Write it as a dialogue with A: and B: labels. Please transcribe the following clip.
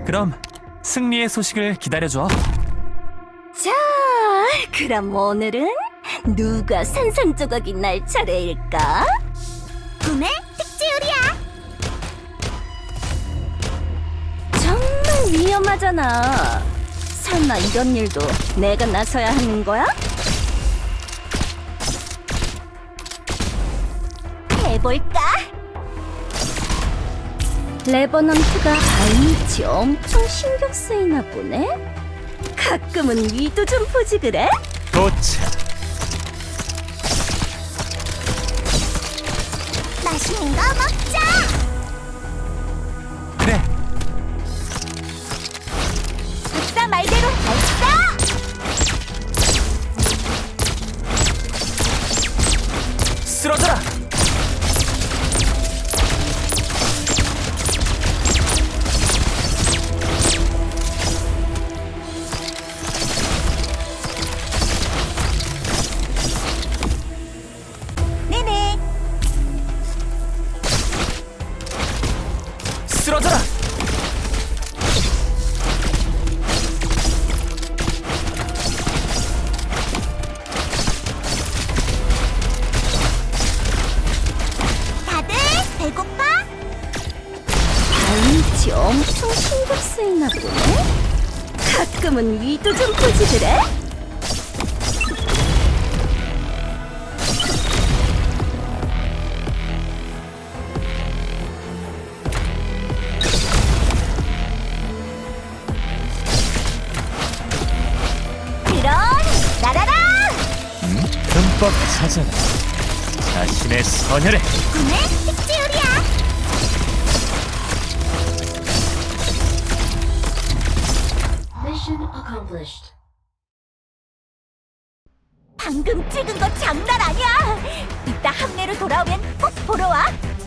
A: 그럼 승리의 소식을 기다려줘.
B: 자, 그럼 오늘은 누가 산산조각이 날 차례일까? 꿈의 특지요리야. 정말 위험하잖아. 설마 이런 일도 내가 나서야 하는 거야? 해볼까? 레버넌트가 발밑이 엄청 신경 쓰이나 보네? 가끔은 위도 좀 보지 그래?
A: 도착.
B: 맛있는 거 먹자!
A: 그래.
B: 박사 말대로 발사!
A: 쓰러져라.
B: 네네.
A: 쓰러져라.
B: 다들 배고파? 발밑이 엄청 신경 쓰이나 보네? 가끔은 위도 좀 보지 그래? 그럼 날아라!
A: 흠뻑 찾아라. 자신의 선혈에.
B: 꿈의 특지요리야.
C: Mission accomplished.
B: 방금 찍은 거 장난 아니야. 이따 함내로 돌아오면 꼭 보러 와.